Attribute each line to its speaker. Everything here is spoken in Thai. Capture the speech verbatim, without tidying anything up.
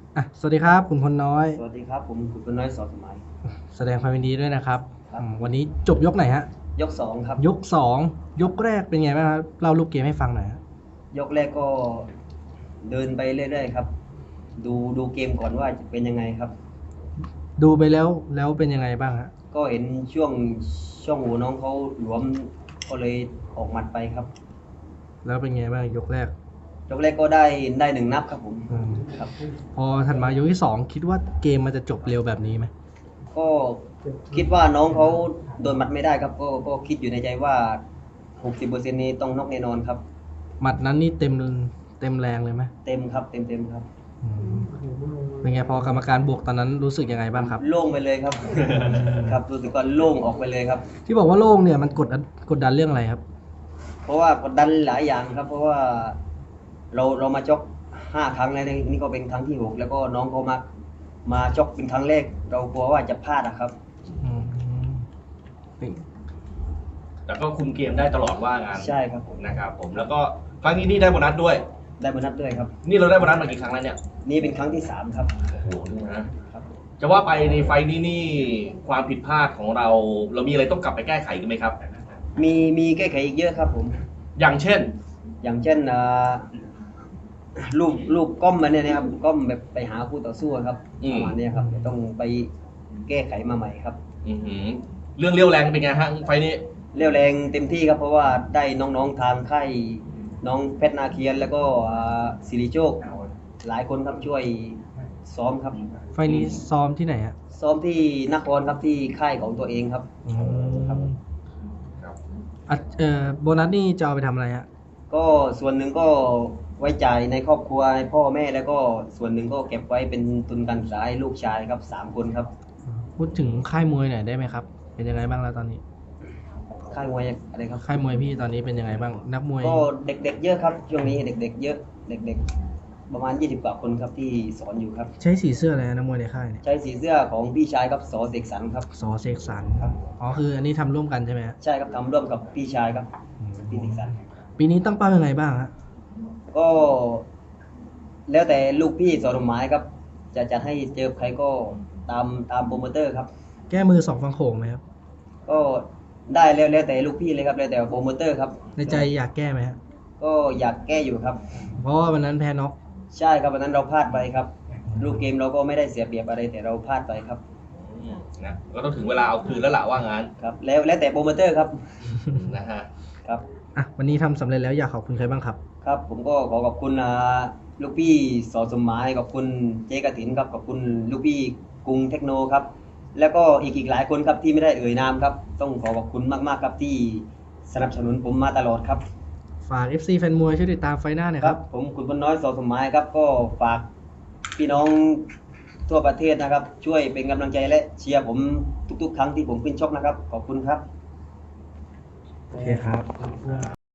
Speaker 1: อ่ะสวัสดีครับคุณพลน้อย
Speaker 2: สวัสดีครับผมคุณเป็นน้อยสอสมัย
Speaker 1: แสดงความยินดีด้วยนะครับ
Speaker 2: ครับ
Speaker 1: อืมวันนี้จบยกไหนฮะ
Speaker 2: ยกสองครับ
Speaker 1: ยกสองยกแรกเป็นไงบ้างครับเล่ารูปเกมให้ฟังหน่อยฮะ
Speaker 2: ยกแรกก็เดินไปเรื่อยๆครับดูดูเกมก่อนว่าจะเป็นยังไงครับ
Speaker 1: ดูไปแล้วแล้วเป็นยังไงบ้างฮะ
Speaker 2: ก็เห็นช่วงช่วงหูน้องเขาหลวมก็เลยออกหมัดไปครับ
Speaker 1: แล้วเป็นไงบ้างยกแรก
Speaker 2: ยกแรกก็ได้ได้หนึ่งนับครับผม
Speaker 1: อืม
Speaker 2: ครับ
Speaker 1: พอถัดมายกที่สองคิดว่าเกมมันจะจบเร็วแบบนี้ไหม
Speaker 2: ก็คิดว่าน้องเขาโดนหมัดไม่ได้ครับก็ก็คิดอยู่ในใจว่าหกสิบเปอร์เซ็นต์นี้ต้องน็อกแน่นอนครับ
Speaker 1: หมัดนั้นนี่เต็มเต็มแรงเลยไหม
Speaker 2: เต็มครับเต็มเต็มครับ
Speaker 1: อืมเป็นไงพอกรรมการบวกตอนนั้นรู้สึกยังไงบ้างครับ
Speaker 2: โล่งไปเลยครับ ครับรู้สึกว่าโล่งออกไปเลยครับ
Speaker 1: ที่บอกว่าโล่งเนี่ยมันกดดันกดดันเรื่องอะไรครับ
Speaker 2: เพราะว่ากดดันหลายอย่างครับ เพราะว่าเราเรามาชกห้าครั้งแล้วนี่ก็เป็นครั้งที่หกแล้วก็น้องเขามามาชกเป็นครั้งแรกเรากลัวว่าจะพลาดนะครับ
Speaker 1: อืมเป็น
Speaker 3: แล้วก็คุมเกมได้ตลอดว่างาน
Speaker 2: ใช่ครับผม
Speaker 3: นะครับผมแล้วก็ครั้งนี้นี่ได้โบนัสด้วย
Speaker 2: ได้โบนัสด้วยครับ
Speaker 3: นี่เราได้โบนัสมากี่ครั้งแล้วเนี่ย
Speaker 2: นี่เป็นครั้งที่สามครับ
Speaker 3: โอ้โหนี่นะครับ จะว่าไปในไฟล์นี้นี่ความผิดพลาดของเรา เรามีอะไรต้องกลับไปแก้ไขกันไหมครับ
Speaker 2: มีมีแก้ไขอีกเยอะครับผม
Speaker 3: อย่างเช่น
Speaker 2: อย่างเช่นอ่าลูกลูกก้มมาเนี่ยนะครับก้มแบบไปหาคู่ต่อสู้ครับ
Speaker 3: อืม
Speaker 2: ประมาณเนี้ยครับจะต้องไปแก้ไขมาใหม่ครับ
Speaker 3: อื้อหือเรื่องเลี้ยวแรงเป็นไงฮะไฟล์นี้
Speaker 2: เรี่ยวแรงเต็มที่ครับเพราะว่าได้น้องๆทางค่ายน้องเพชรนาเคียนแล้วก็อ่าสิริโชคหลายคนครับช่วยซ้อมครับ
Speaker 1: ไฟล์นี้ซ้อมที่ไหนฮะ
Speaker 2: ซ้อมที่นครครับที่ค่ายของตัวเองครับ
Speaker 1: อืม
Speaker 2: ครับ
Speaker 3: ครับ
Speaker 1: อ่ะเอ่อโบนัสนี่จะเอาไปทำอะไรฮะ
Speaker 2: ก็ส่วนหนึ่งก็ไว้จ่ายในครอบครัวให้พ่อแม่แล้วก็ส่วนหนึ่งก็เก็บไว้เป็นทุนการศึกษาให้ลูกชายครับสามคนครับ
Speaker 1: พูดถึงค่ายมวยหน่อยได้ไหมครับ เป็นยังไงบ้างแล้วตอนนี้
Speaker 2: ค่ายมวยอะไรครับ
Speaker 1: ค่ายมวยพี่ตอนนี้เป็นยังไงบ้าง นักมวย
Speaker 2: ก็เด็กๆเยอะครับช่วงนี้เด็กๆเยอะเด็กๆประมาณยี่สิบกว่าคนครับที่สอนอยู่ครับ
Speaker 1: ใช้สีเสื้ออะไรนะนักมวยในค่ายเนี่ย
Speaker 2: ใช้สีเสื้อของพี่ชายครับสอเสกสรรครับ
Speaker 1: สอเสกสรร
Speaker 2: ครับ
Speaker 1: อ๋อคืออันนี้ทำร่วมกันใช่ไหมฮะ
Speaker 2: ใช่ครับทำร่วมกับพี่ชายครับ
Speaker 1: อืม
Speaker 2: พี่เสกสรร
Speaker 1: ปีนี้ตั้งเป้ายังไงบ้างฮะ
Speaker 2: ก็แล้วแต่ลูกพี่สอนหมายครับ จะจะให้เจอใครก็ตามตามโปรโมเตอร์ครับ
Speaker 1: แก้มือสองฟังโขงไหมครับ
Speaker 2: ก็ได้แล้วแล้วแต่ลูกพี่เลยครับแล้วแต่โปรโมเตอร์ครับ
Speaker 1: ในใจอยากแก้ไหมฮะ
Speaker 2: ก็อยากแก้อยู่ครับ
Speaker 1: เพราะว่าวันนั้นแพ้น็อก
Speaker 2: ใช่ครับวันนั้นเราพลาดไปครับ ลูกเกมเราก็ไม่ได้เสียเปรียบอะไรแต่เราพลาดไปครับ
Speaker 3: อืมนะก็ต้องถึงเวลาเอาคืนแล้วล่ะว่างาน
Speaker 2: ครับ แล้วแล้วแต่โปรโมเตอร์ครับ
Speaker 3: นะฮะ
Speaker 2: ครับ
Speaker 1: อ่ะวันนี้ทำสำเร็จแล้วอยากขอบคุณใครบ้างครับ
Speaker 2: ครับ ผมก็ขอขอบคุณอ่าลูกพี่สอสมหมายขอบคุณเจ๊กฐินครับขอบคุณลูกพี่กรุงเทคโนครับ แล้วก็อีกอีกหลายคนครับที่ไม่ได้เอ่ยนามครับ ต้องขอขอบคุณมากๆครับที่สนับสนุนผมมาตลอดครับ
Speaker 1: ฝาก เอฟ ซี แฟนมวยช่วยติดตามไฟหน้าหน่อย
Speaker 2: ค
Speaker 1: ค
Speaker 2: รั
Speaker 1: รั
Speaker 2: บบ ผมคุณพลน้อยสอสมหมายครับก็ฝากพี่น้องทั่วประเทศนะครับ ช่วยเป็นกำลังใจและเชียร์ผมทุกๆ ครั้งที่ผมขึ้นชกนะครับ ขอบคุณครับ
Speaker 1: โอเคครับ